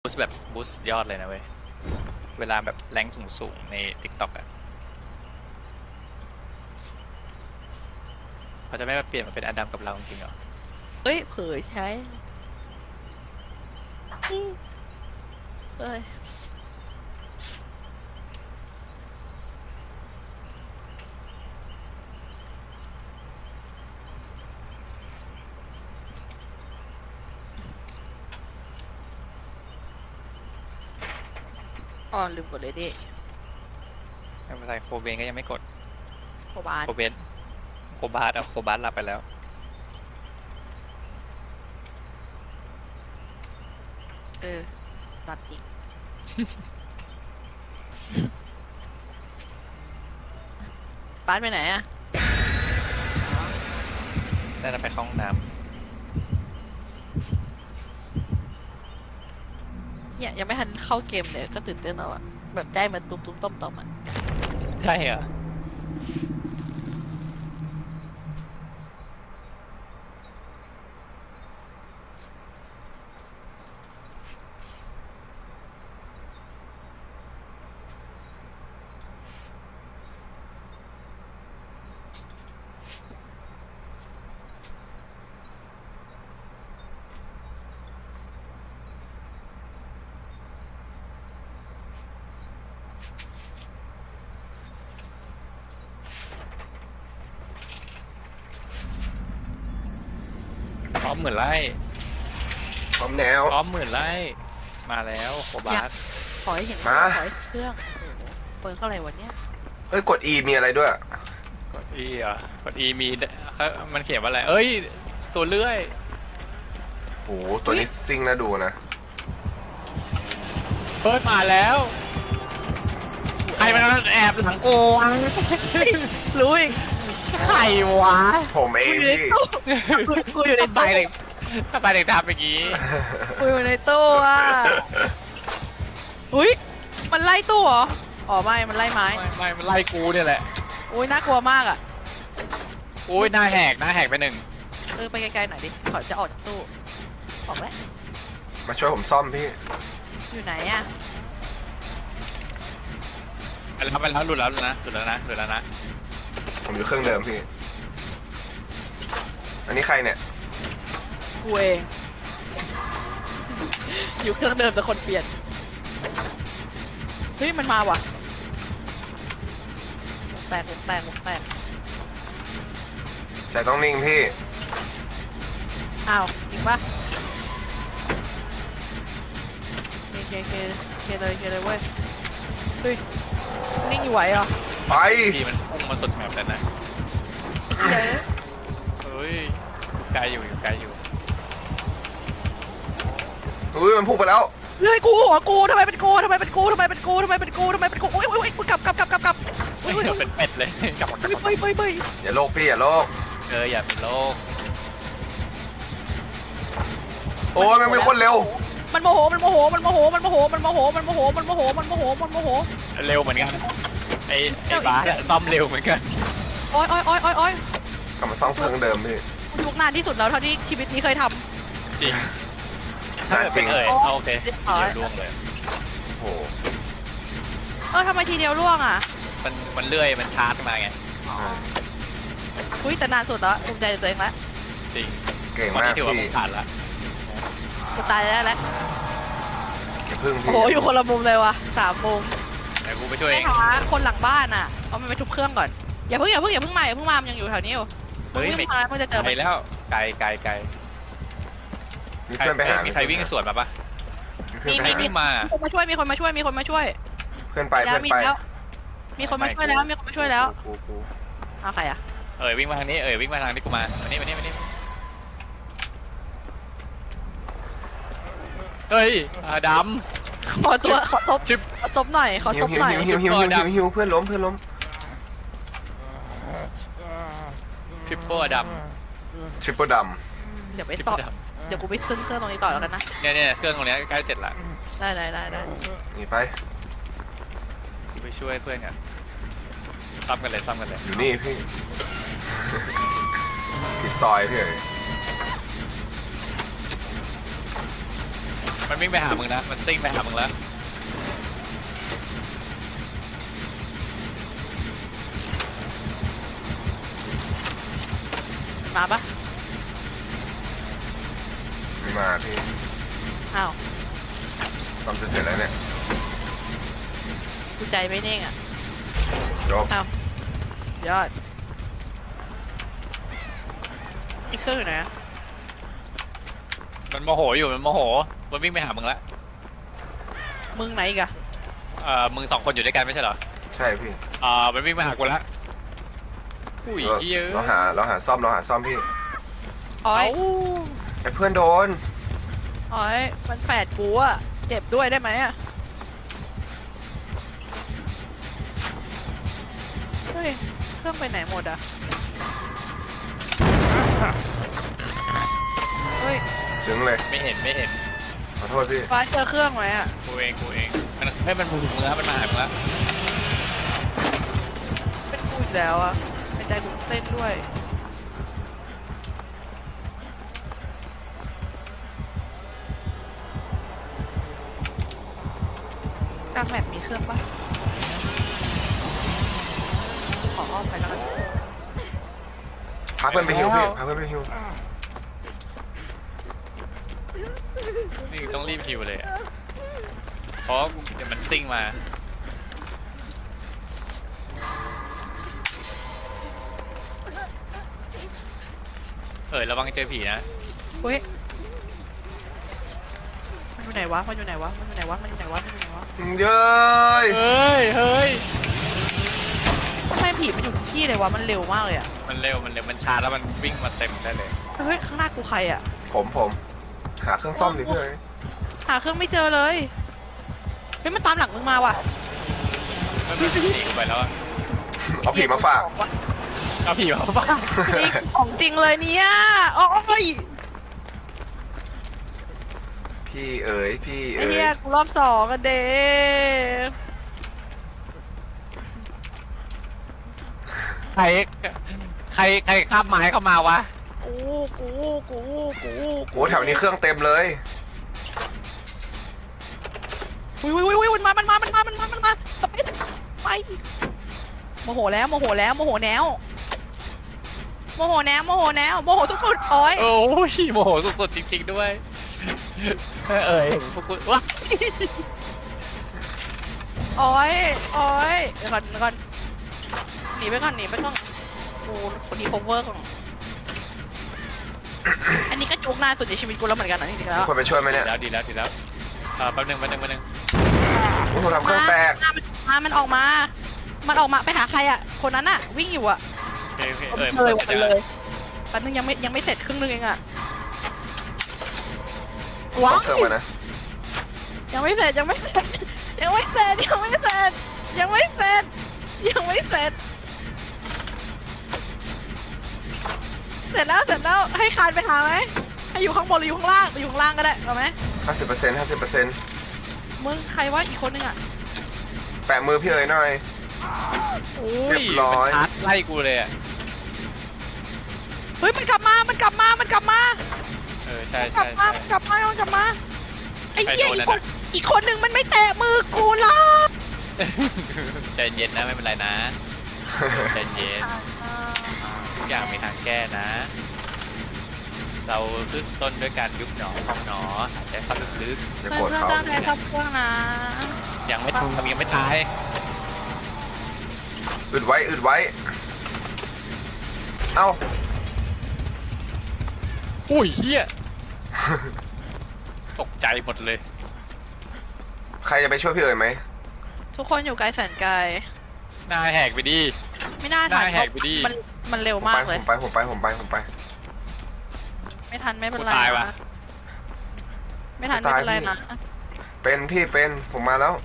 สแบบบูสยอดเลยนะเว้ยเวลาแบบแรงสูงใน TikTok อ่ะเขาจะไม่มาเปลี่ยนมาเป็นอดัมกับเราจริงๆเหรอเอ้ยเผยใช้เอ้ยอ๋อลืมกดเลยดิไม่เป็นไรโคเบนก็ยังไม่กดโคบานโคเบนโคบาสโคบาสหลับไปแล้วเออตัดอีก บาสไปไหนอะน่าจะไปเข้าห้องน้เนี่ยยังไม่ทันเข้าเกมเลยก็ตื่นเต้นแล้วอะแบบใจมันตุ้มตุ้มต้มต้มอะำใช่เหรอพร้อมหมื่นไล่พร้อมแนวพร้อมหมื่นไล่มาแล้วโคบาสขอให้เห็นมาขอให้เครื่องโอ้โหเปิดเข้าอะไรวันเนี้ยเฮ้ยกด E มีอะไรด้วยกด E อ่ะกด E มีมันเขียนว่าอะไรเอ้ยตัวเลื่อยโหตัวนี้ซิ่งน่าดูนะเฮ้ยมาแล้วใครมันแอบหลังโกงรู้อีกใครวะผมเองพี่กูอยู่ในทำไมตู้เด็กทำไมเด็กทำอย่างนี้กูอยู่ในตู้อะอุ้ยมันไล่ตู้เหรออ๋อไม่มันไล่ไม้ไม่มันไล่กูเนี่ยแหละอุ้ยน่ากลัวมากอะอุ้ยหน้าแหกไปหนึ่งเออไปไกลๆหน่อยดิขอจะออกจากตู้ออกแล้วมาช่วยผมซ่อมพี่อยู่ไหนอะไปแล้วหลุดแล้วนะผมอยู่เครื่องเดิมพี่ อันนี้ใครเนี่ยกูเองอยู่เครื่องเดิมแต่คนเปลี่ยนเฮ้ยมันมาว่ะวงแตกใจต้องนิ่งพี่อ้าวจริงปะเคเลยเว้ยเฮ้ยนิ่งอยู่ไหวเหรอไปทีมันพุ่งมาสุดแมปแล้วนะเฮ้ยเฮ้ยไกลอยู่ไกลอยู่อุ้ยมันพุ่งไปแล้วเฮ้ยกูหัวกูทำไมเป็นกูอุ้ยกูกลับอุ้ยเป็นเป็ดเลยกลับมาเฮ้ยอย่าโลกพี่อย่าโลกอย่ามีโลกโอ้ยมันเป็นคนเร็วมันโมโหเร็วเหมือนกันไอ้บ้าซ่อมเร็วเหมือนกันโอ้ยกลับมาซ่อมเครื่องเดิมพี่กูยุกนานที่สุดแล้วเท่าที่ชีวิตนี้เคยทจริงน่าจริงโอเคเดี๋ยวล่วงเลยโอ้โหำทำไมทีเดียวล่วงอ่ะมันเลื่อยมันชาร์จมาไงอุ้ยแต่นานสุดแล้วภูมิใจในตัวเองแล้วจริงเก่งวันมากนี้ถือว่าพี่ผ่านละกูตายแล้วอย่าพึ่งโอ้พี่โหอยู่คนละมุมเลยว่ะ3 มุมแต่กูไปช่วยเองนะคะคนหลังบ้านอ่ะเอามันไปทุบเครื่องก่อนอย่าเพิ่งมามันยังอยู่แถวนี้อยู่เฮ้ยมึงมาแล้วมึงจะเจอไกลแล้วไกลมีเพื่อนไปหามีใครวิ่งสวนมาปะมีเพื่อนไปหาวิ่งมามีคนมาช่วยเพื่อนไปเพื่อนมีไปแล้วมีคนมาช่วยแล้วกูเอาใครอ่ะวิ่งมาทางนี้วิ่งมาทางที่กูมามานี่เฮ้ยดขอตัวขอซบชิบซบหน่อยขอซบหน่อยหิวเพื่อนล้มำทริปเปอร์ดทริปเปิลดเดี๋ยวไปำซอบเดี๋ยวกูไปซึ้งเครื่องตรงนี้ต่อแล้วกันนะเนี่ยเครื่องตรงนี้ใกล้เสร็จละได้ำนี่ไปไปช่วยเพื่อนกันซ้ำกันเลยอยู่นี่พี่ ผิดซอยพี่เอ๋ยมันวิ่งไปหามึงนะมันซิ่งไปหามึงแล้วมาปะไม่มาพี่อ้าวซ่อมจะเสร็จแล้วเนี่ยกูใจไม่นิ่งอ่ะจบอ้าว ยอดอีกเครื่องอยู่ไหนอะมันโมโหอยู่มันโมโหมันวิ่งไปหามึงแล้วมึงไหนอีกอะมึง2 คนอยู่ด้วยกันไม่ใช่เหรอใช่พี่มันวิ่งมาหากูแล้วอุ้ยเหี้ยเราหาซ่อมพี่อ้อยไอ้เพื่อนโดนอ้อยมันแฝดกูอะเจ็บด้วยได้ไหมอะเฮ้ย เครื่องไปไหนหมดอะเฮ้ยซึ้งเลยไม่เห็นขอโทษพี่ฟ้าเจอเครื่องไหมอะกูเองมันให้มันถึงมึงแล้วมันมาหามึงแล้วเป็นกูอีกแล้วอะเป็นใจกูเต้นด้วยกลางแมปมีเครื่องปะขออ้อมไปแล้วกันพาเพื่อนไปฮิวพี่พาเพื่อนไปฮิวนี่ต้องรีบฮิวเลยอะเพราะเดี๋ยวมันซิ่งมาระวังเจอผีนะเฮ้ย มันอยู่ไหนวะ มันอยู่ไหนวะ มันอยู่ไหนวะ มันอยู่ไหนวะ มันอยู่ไหนวะเย้ยเฮ้ยทำไมผีมันอยู่ทุกที่เลยวะ มันเร็วมากเลยอะมันเร็วมันช้าแล้วมันวิ่งมาเต็มได้เลยเฮ้ย ข้างหน้ากูใครอะผมหาเครื่องซ่อมดิพี่เอ้ยหาเครื่องไม่เจอเลย เฮ้ย มันตามหลังมึงมาว่ะมันหนีไปแล้วอะเอาผีมาฝากเอาผีมาบ้านี่ของจริงเลยเนี่ยโอ้ยพี่เอ๋ยพี่ไอ้เอ๋ยเหี้ยกูรอบ2กันเด้ใครคาบไม้เข้ามาวะกูโอ้แถวนี้เครื่องเต็มเลยอุ้ยมันมาไปโมโหแล้วโมโหสุดๆโอ้ยโอ้ยโมโหสุดๆจริงๆด้วยพวกกูวะโอ้ยเดี๋ยวก่อนหนีไปก่อนกูคนนี้ cover ก่อนอันนี้ก็จุกนานสุดในชีวิตกูแล้วเหมือนกันนะจริงๆแล้วมีคนไปช่วยไหมเนี่ยดีแล้วแป๊บนึงโอ้โหทำเครื่องแตกมันออกมาไปหาใครอ่ะคนนั้นอ่ะวิ่งอยู่อ่ะมันเลยเสร็จเลแล้วยแป๊บนึงยังไม่เสร็จครึ่งนึงเองอ่ะขอเครื่องมานะยังไม่เสร็จเสร็จแล้วให้คานไปหาไหมให้อยู่ข้างบนหรืออยู่ข้างล่างอยู่ข้างล่างก็ได้เอาไหม 50% มึงใครว่าอีกคนนึงอ่ะแปะมือพี่เอ๋ยหน่อยอุ้เรียยบร้มันอยชาร์จไล่กูเลยอ่ะเฮ้ยมันกลับมาใช่กลับมาไอ้ใครเหี้ยโดนนั่นน่ะอีกคนนึงมันไม่แตะมือกูหรอกใจเย็นนะไม่เป็นไรนะใจเย็นทุกอย่างมีทางแก้นะ เราขึ้นต้นด้วยการยุบหนอพองหนอหายใจเข้าลึกจะเพื่โกรธอนเขาตั้งใจทับเครื่องนะๆยังไม่ตายอึดไว้เอ้าอุ้ยเฮียตกใจหมดเลยใครจะไปช่วยพี่เอ๋ยไหมทุกคนอยู่ไกลแสนไกลหน้าแหกไปดิไม่น่าทันหน้าแหกไปดิมันเร็วมากเลยผมไปไม่ทันไม่เป็นไรกูตายวะนะไม่ทันไม่เป็นไรนะเป็นผมมาแล้ว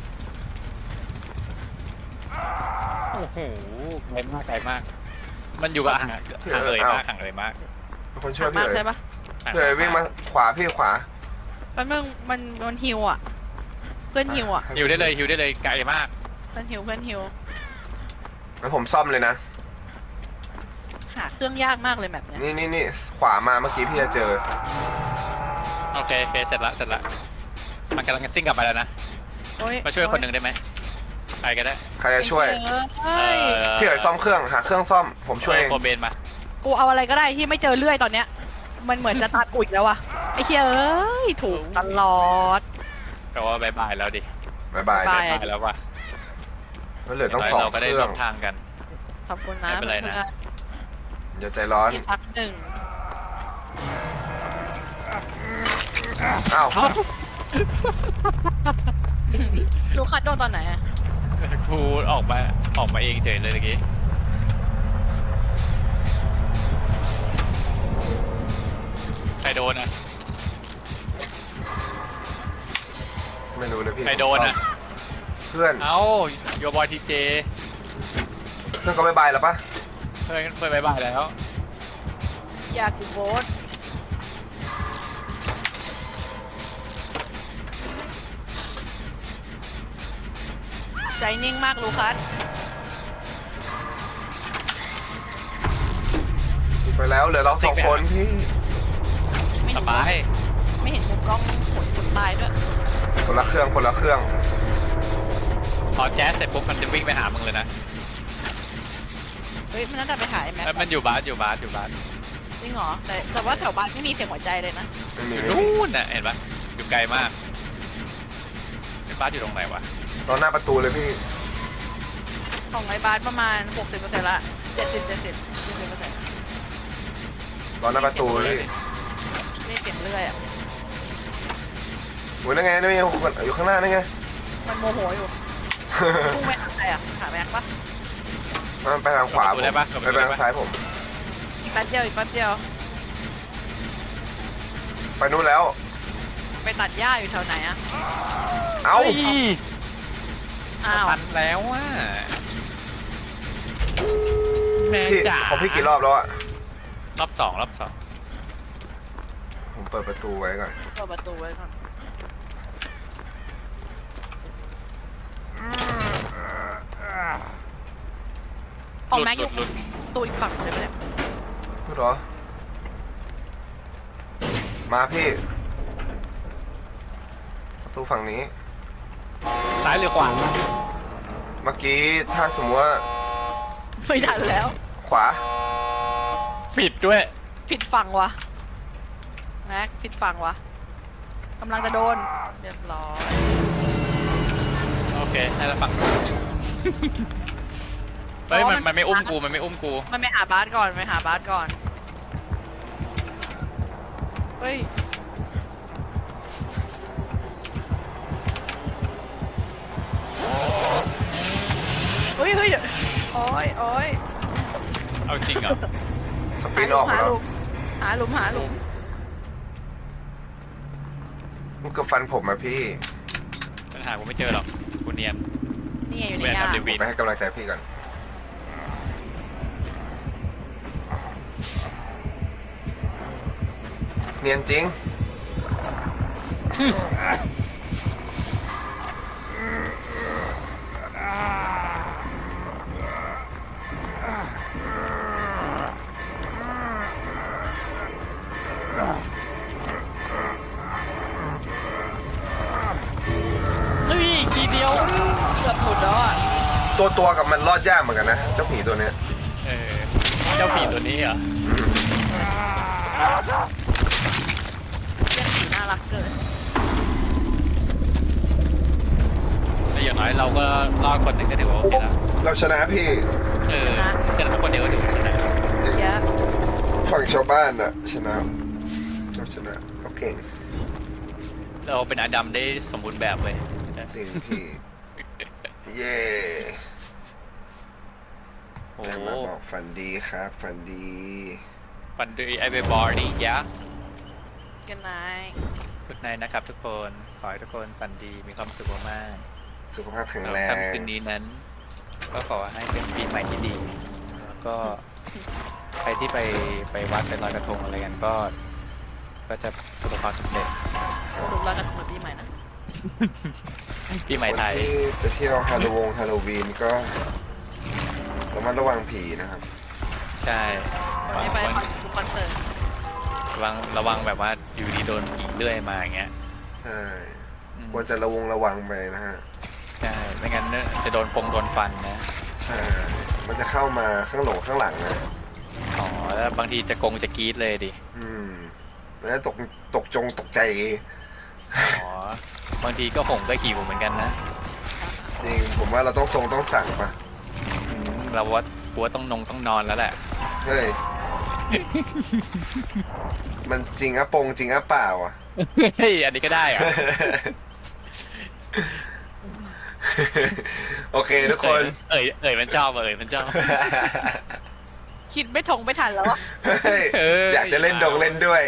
โอ้โหไกลมาก มันอยู่กับห่างเลยมากมีคนช่วยมากพี่เอ๋ใช่ยปะพี่เอ๋ยวิ่งมาขวาพี่ขวาแป๊บนึงมันฮิวอ่ะเพื่อนฮิวอ่ะฮิวได้เลยไกลมากเพื่อนฮิวงั้นผมซ่อมเลยนะหาเครื่องยากมากเลยแบบเนี้ยนี่ขวามาเมื่อกี้พี่จะเจอโอเคเสร็จละมันกำลังจะซิ่งกลับไปแล้วนะโอ๊มาช่วยคนหนึ่งได้ไหมใครก็ได้ใครจะช่วยเอ้ยพี่เอ๋ยซ่อมเครื่องหาเครื่องซ่อมผมช่วยเองโคเบนมากูเอาอะไรก็ได้ที่ไม่เจอเลื่อยตอนเนี้ย มันเหมือนจะตัดกูอีกแล้ววะไอ้เหี้ยเอ้ยถูกตลอดแปลว่าบายบายแล้วดิบายบายบ๊ายบายบายแล้วว่ะแล้วเหลือต้องสองเราก็เคได้รื่ร่อวงมทางกันขอบคุณนะไม่เป็นไรนะอย่าใจร้อนที่พักหนึ่งอ้าวลูกคัดโดนตอนไหนอะครูออกมาเองเฉยเลยเมื่อกี้ใครโดนอ่ะไม่รู้เลยพี่ใครโดนอ่ะเพื่อนเอ้าโยบอยทีเจเพื่อนก็บายบายแล้วปะเพื่อนบายบายแล้วอยากกูโบสใจนิ่งมากลูคัสไปแล้วเหลือเราสองคนพี่ไม่สเห็นบายไม่เห็นมุมกล้องคนตายด้วยคนละเครื่องคนละเครื่องพอแจ๊สเสร็จปุ๊บมันจะวิ่งไปหามึงเลยนะเฮ้ยมันน่าจะไปหายแม็กแล้วมันอยู่บาสอยู่บาสจริงเหรอแต่ว่าแถวบ้านไม่มีเสียงหัวใจเลยนะไม่มีอยู่นู่นน่ะเห็นปะอยู่ไกลมากเป็นบาสอยู่ตรงไหนวะตอนหน้าประตูเลยพี่ของไอ้บาสประมาณ 60%ละ70% ตอนหน้าประตูเลยพี่นี่เสียงเรื่อยอ่ะโอ้ยนั่นไงนั่นไงอยู่ข้างหน้านั่นไงมันโมโหอยู่พุ่งไปหาใครอ่ะหาแม็กปะมันไปทางขวาผมไปทางซ้ายผมอีกแป๊บเดียวอีกแป๊บเดียวไปนู่นแล้วไปตัดหญ้าอยู่แถวไหนอ่ะเอ้าอ้าวทันแล้วว่ะแม่พี่จ๋าของพี่กี่รอบแล้วอะรอบสองผมเปิดประตูไว้ก่อนเปิดประตูไว้ก่อนของแม็กอยู่หลุดตู้อีกฝั่งเลยไหมเนี่ยพูดเหรอ มาพี่ ประตูฝั่งนี้ซ้ายหรือขวาเมื่อกี้ถ้าสมมติว่าไม่ทันแล้วขวาผิดด้วยผิดฝั่งวะแม็กผิดฝั่งวะกำลังจะโดนเรียบร้อยโอเคให้เราฝั่งเฮ้ยมันไม่อุ้มกูมันไม่อุ้มกูมันไปหาบาสก่อนไปหาบาสก่อนเฮ้ยเฮ้ยเฮ้ยโอ้ยโอ้ยเอาจริงเหรอสปรินออกมาแล้วหาหลุมหาหลุมมันก็ฟันผมอะพี่ปัญหากูไม่เจอหรอกกูเนียนนี่ไงอยู่กูในเนียนหญ้าทำรีวิวไปให้กำลังใจพี่ก่อน เนียนจริงเฮ้ยอีกทีเดียวเกือบหลุดแล้วอ่ะตัวกับมันรอดยากเหมือนกันนะ เจ้าผีตัวเนี้ยเออเจ้าผีตัวนี้เหรอเรื่องผีน่ารักเกินแล้วอย่างน้อยเราก็รอดคนหนึ่งก็ถือว่าโอเคแล้วเราชนะพี่เออชนะคนเดียวก็ถือว่าชนะเยอะฝั่งชาวบ้านอะชนะเราชนะเราเก่งเราเป็นอาดัมได้สมบูรณ์แบบเลยจริงพี่ เย่โอ้แต่มาบอกฝันดีครับ ฝันดีฟันดูไอเบบอร์ดี้ยะกันนายกุดไนนะครับทุกคน ขอให้ทุกคนฝันดีมีความสุขมากสุขภาพๆแข็งแล้วแรงค่ำคืนนี้นั้น ก็ขอให้เป็นปีใหม่ที่ดี แล้วก็ใครที่ไปวัดไปลอยกระทงอะไรกันก็จะประสบความสำเร็จสรุปแล้วกันเหมือนปีใหม่นะปีใหม่ไทยคนที่ไปเที่ยวฮาโลวีนก็ระมัดระวังผีนะครับใช่วันนี้ไปคอนเสิร์ตระวังแบบว่าอยู่ดีโดนผีเลื่อยมาอย่างเงี้ยใช่อควรจะระวังไปนะฮะใช่ไม่งั้นเนี่ยจะโดนฟันนะใช่มันจะเข้ามาข้างหลังนะอ๋อแล้วบางทีจะกรี๊ดเลยดิแล้วตกใจอ๋อ บางทีก็หงก็หิวเหมือนกันนะจริงผมว่าเราต้องสั่งปะเราว่าหัวต้องนอนแล้วแหละเฮ้ย มันจริงอะจริงอะเปล่าอะเฮ้ย อันนี้ก็ได้เหรอโอเคทุกคนเอ่ยมันชอบมันชอบคิดไม่ทันแล้วอะเฮ้ยอยากจะเล่นเล่นด้วย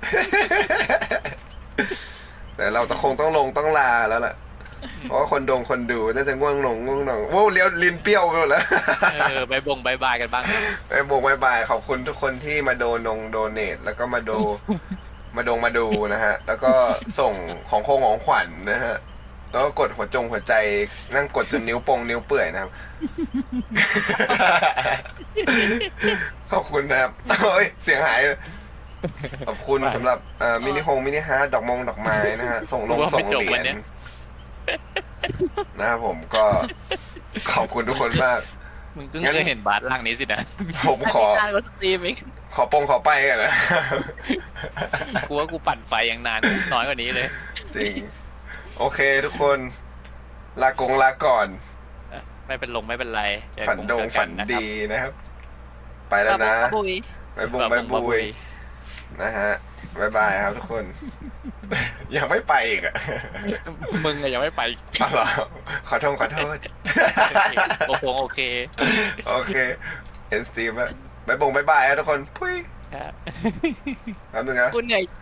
แต่เราคงต้องลาแล้วล่ะ เพราะว่าคนดูน่าจะง่วงหนงโว้เลี้ยวลิ้นเปรี้ยวไปหมดแล้วบายบายกันบ้างบายบายขอบคุณทุกคนที่มาโดเนทแล้วก็มาดูนะฮะ แล้วก็ส่งของขวัญนะฮะ แล้วก็กดหัวใจนั่งกดจนนิ้วเปื่อยนะครับ ขอบคุณนะครับโอ้ยเสียงหาย ขอบคุณสำหรับมินิฮาร์ดดอกไม้นะฮะ ส่งเหรียญนะครับผมก็ขอบคุณทุกคนมากมึงเพิ่งเคยเห็นบาสร่างนี้สินะผมขอการกดสตรีมอีกขอไปกันนะกูว่ากูปั่นไฟยังนานน้อยกว่านี้เลยจริง โอเคทุกคน ลาก่อนไม่เป็นไรเจอฝันกลุ่มเจอกัฝันนะครับดีนะครับ ไปแล้วนะบุยบายบุยนะฮะบายบายครับทุกคน ยังไม่ไปอีกอ่ะมึงอะยังไม่ไปอ๋อเหรอขอโทษโอเคโอเคเห็นสตรีมแล้วบายบายครับทุกคนพุ้ยครับแป๊บนึงนะกูเหนื่อย